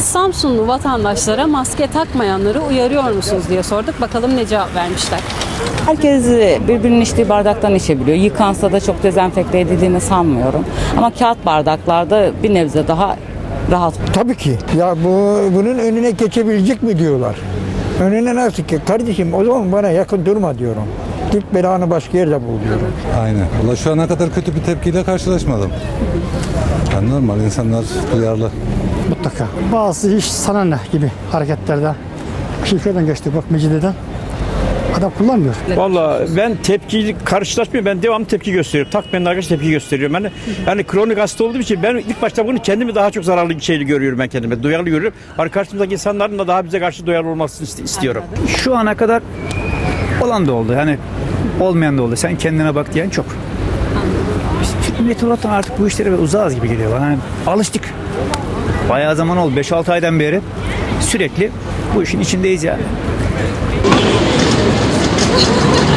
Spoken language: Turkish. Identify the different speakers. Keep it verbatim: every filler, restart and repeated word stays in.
Speaker 1: Samsunlu vatandaşlara maske takmayanları uyarıyor musunuz diye sorduk. Bakalım ne cevap vermişler.
Speaker 2: Herkes birbirinin içtiği bardaktan içebiliyor. Yıkansa da çok dezenfekte edildiğini sanmıyorum. Ama kağıt bardaklarda bir nebze daha rahat.
Speaker 3: Tabii ki. Ya bu bunun önüne geçebilecek mi diyorlar. Önüne nasıl ki? Kardeşim o zaman bana yakın durma diyorum. Git belanı başka yerde bul diyorum.
Speaker 4: Aynen. Valla şu ana kadar kötü bir tepkiyle karşılaşmadım. Yani normal, insanlar duyarlı.
Speaker 5: Mutlaka. Bazı iş sana ne gibi hareketlerde. Şirketten geçti bak Mecidiye'den. Adam kullanmıyor.
Speaker 6: Vallahi ben tepkiyi karşılaşmıyorum. Ben devamlı tepki gösteriyorum. Takmayan arkadaş tepki gösteriyorum. Yani, yani kronik hasta olduğum için ben ilk başta bunu kendimi daha çok zararlı bir şeyle görüyorum ben kendime. Duyarlı görüyorum. Hani karşımızdaki insanların da daha bize karşı duyarlı olmasını istiyorum.
Speaker 7: Şu ana kadar olan da oldu. Yani olmayan da oldu. Sen kendine bak diyen çok. Biz millet olarak artık bu işlere uzağız gibi geliyor bana. Yani alıştık. Bayağı zaman oldu. beş altı aydan beri sürekli bu işin içindeyiz yani.